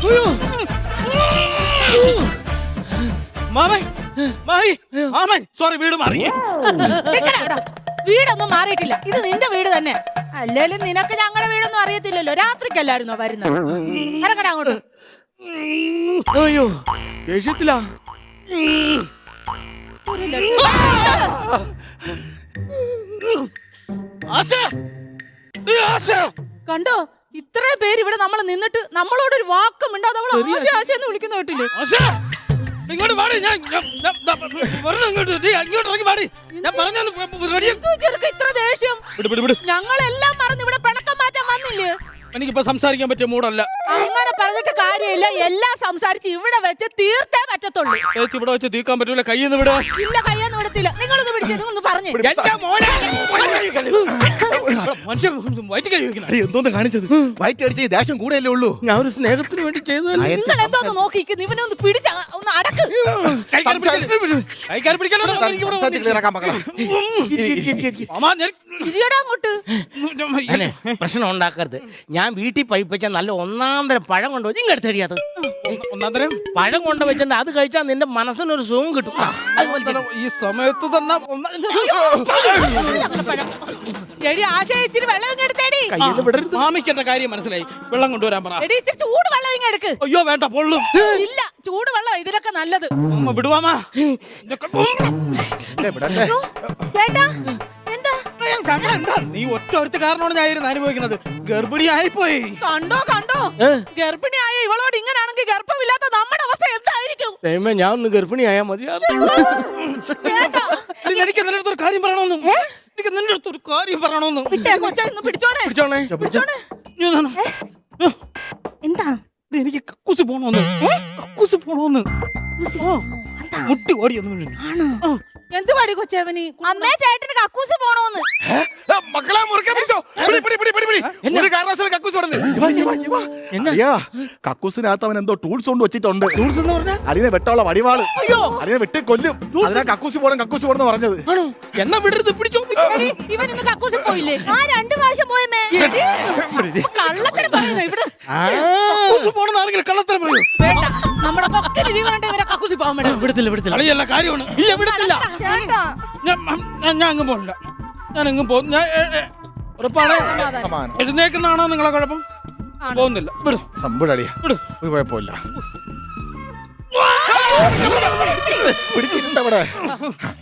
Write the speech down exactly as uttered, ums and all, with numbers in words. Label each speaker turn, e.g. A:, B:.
A: മാമൻ മാമി മാമൻ സോറി വീട് മാറി.
B: വീടൊന്നും മാറിയിട്ടില്ല, ഇത് നിന്റെ വീട് തന്നെ. അല്ലേലും നിനക്ക് ഞങ്ങളുടെ വീടൊന്നും അറിയത്തില്ലല്ലോ. രാത്രിക്കല്ലായിരുന്നോ വരുന്നത്? ഇറങ്ങടാ അങ്ങോട്ട്.
A: അയ്യോ ദേഷ്യത്തിലാ.
B: കണ്ടോ, ഇത്രയും പേര് ഇവിടെ നമ്മൾ നിന്നിട്ട് നമ്മളോടൊരു വാക്കും മിണ്ടാതെ അവൾ ആശ ആശയെന്ന് വിളിക്കുന്ന കേട്ടില്ലേ?
A: ഇങ്ങോട്ട് പാടി, ഞാൻ ഇങ്ങോട്ട് ഇങ്ങോട്ട് ഇറങ്ങി പാടി. ഞാൻ പറഞ്ഞു
B: ഇത്ര ദേഷ്യം. ഞങ്ങളെല്ലാം മറന്ന് ഇവിടെ പിണക്കം മാറ്റാൻ വന്നില്ലേ?
A: എനിക്കിപ്പോ സംസാരിക്കാൻ പറ്റിയ മൂടല്ല.
B: അങ്ങനെ പറഞ്ഞിട്ട് കാര്യമില്ല, എല്ലാം സംസാരിച്ച് ഇവിടെ വെച്ച് തീർത്തേ പറ്റത്തുള്ളൂ.
A: ചേച്ചി ഇവിടെ വെച്ച് തീർക്കാൻ പറ്റൂല. കയ്യെന്ന് വിടാ.
B: ഇല്ല, കയ്യൊന്നും വിടത്തില്ല. നിങ്ങളൊന്ന് പിടിച്ചൊന്ന് പറഞ്ഞു.
A: എന്തോന്ന് കാണിച്ചത്? വയറ്റ് അടിച്ച ദേഷ്യം കൂടെയല്ലേ ഉള്ളൂ. ഞാൻ ഒരു സ്നേഹത്തിന് വേണ്ടി ചെയ്തതല്ലേ.
B: നിങ്ങൾ എന്തോന്ന് നോക്കിക്കുന്നു? ഇവനെ ഒന്ന് പിടിച്ച ഒന്ന് അടക്ക്. ഇരിയടാ അങ്ങോട്ട്.
C: പ്രശ്നം ഉണ്ടാക്കരുത്. ഞാൻ വീട്ടിൽ പഴിപ്പിച്ച നല്ല ഒന്നാം തരം പഴം കൊണ്ടു നിങ്ങൾ എടുത്തടിയാത്.
A: ഒന്നാം തരം
C: പഴം കൊണ്ട് വെച്ചിട്ട് അത് കഴിച്ചാൽ നിന്റെ മനസ്സിനൊരു സുഖം കിട്ടും.
A: ഈ സമയത്ത് തന്നെ
B: ഇച്ചിരി വെള്ളം എടുത്തേടി.
A: മാമിക്ക് എന്റെ കാര്യം മനസ്സിലായി. വെള്ളം കൊണ്ടുവരാൻ പറ.
B: ഇച്ചിരി ചൂട് വെള്ളം ഇങ്ങ് എടുക്ക്.
A: അയ്യോ വേണ്ട, പൊള്ളും.
B: ഇല്ല, ചൂട് വെള്ളം ഇതിലൊക്കെ നല്ലത്.
A: അമ്മ വിടുവാമാ.
B: ചേട്ടാ
A: എന്താ നീ ഒറ്റ ഒരുത്ത കാരണമാണ് ഞാൻ അനുഭവിക്കുന്നത്. ഗർഭിണിയായിപ്പോയി.
B: കണ്ടോ കണ്ടോ, ഗർഭിണിയായ ഇവളോട് ഇങ്ങനാണെങ്കിൽ ഗർഭമില്ലാത്ത നമ്മുടെ അവസ്ഥ എന്തായിരിക്കും?
C: ദൈവമേ, ഞാൻ ഒന്ന് ഗർഭിണിയായാ മതിയായിരുന്നു.
A: എനിക്ക് നിന്റെ അടുത്തൊരു കാര്യം പറയണമെന്ന്. എനിക്ക് നിന്റെ അടുത്തൊരു കാര്യം പറയണമെന്ന്.
B: കൊച്ചൊന്ന് പിടിച്ചോണേ
C: പിടിച്ചോണേ
B: പിടിച്ചോണേ. എന്താ?
A: എനിക്ക് കക്കൂസ് പോണോന്ന്. കക്കൂസ് പോണോന്ന് മുട്ടി ഓടിയൊന്നും.
B: ആണോ? എന്ത് പാടി കൊച്ചവനി? അമ്മേ, ചേട്ടന് കക്കൂസ് പോണോന്ന്.
D: മക്കളെ മുറുക്കെ പിടിച്ചോ. കക്കൂസിനകത്ത് അവൻ എന്തോ ടൂൾസ് കൊണ്ട് വെച്ചിട്ടുണ്ട്.
A: ടൂൾസ് എന്ന് പറഞ്ഞാൽ
D: അതിനെ വെട്ടമുള്ള വടിവാള്. അതിനെ വെട്ടി കൊല്ലും. അതിനാ കക്കൂസ് പോണം കക്കൂസ് പോണെന്ന് പറഞ്ഞത്.
C: എന്നാ വിടരുത്, പിടിച്ചോ.
B: ഇവൻ ഇന്ന് കക്കൂസ് പോയില്ലേ? ആ രണ്ടു പ്രാവശ്യം പോയമ്മേ. കള്ളത്തിന് പറയുന്നത് ഇവിടെ.
A: കക്കൂസ് പോണെന്ന് ആരെങ്കിലും കള്ളത്തരം പറയൂ.
B: വേണ്ട, നമ്മുടെ കൊക്കിന് ജീവനുണ്ട് ഇവരെ കക്കൂസ് പോകാൻ വേണ്ട.
C: വിടത്തില്ല വിടത്തില്ല.
A: കളിയല്ല, കാര്യമാണ്.
C: ഇല്ല വിടത്തില്ല.
A: ഞാൻ അങ്ങ് പോണില്ല. ഞാൻ എങ്ങും പോകും. ഞാൻ ഉറപ്പാണ്. എഴുന്നേക്കുന്നതാണോ നിങ്ങളെ കുഴപ്പം? പോകുന്നില്ല. വിടും
D: സംഭവടിയാ.
A: വിടും.
D: ഒരു കുഴപ്പമില്ല. പിടിക്കുന്നുണ്ട് അവിടെ.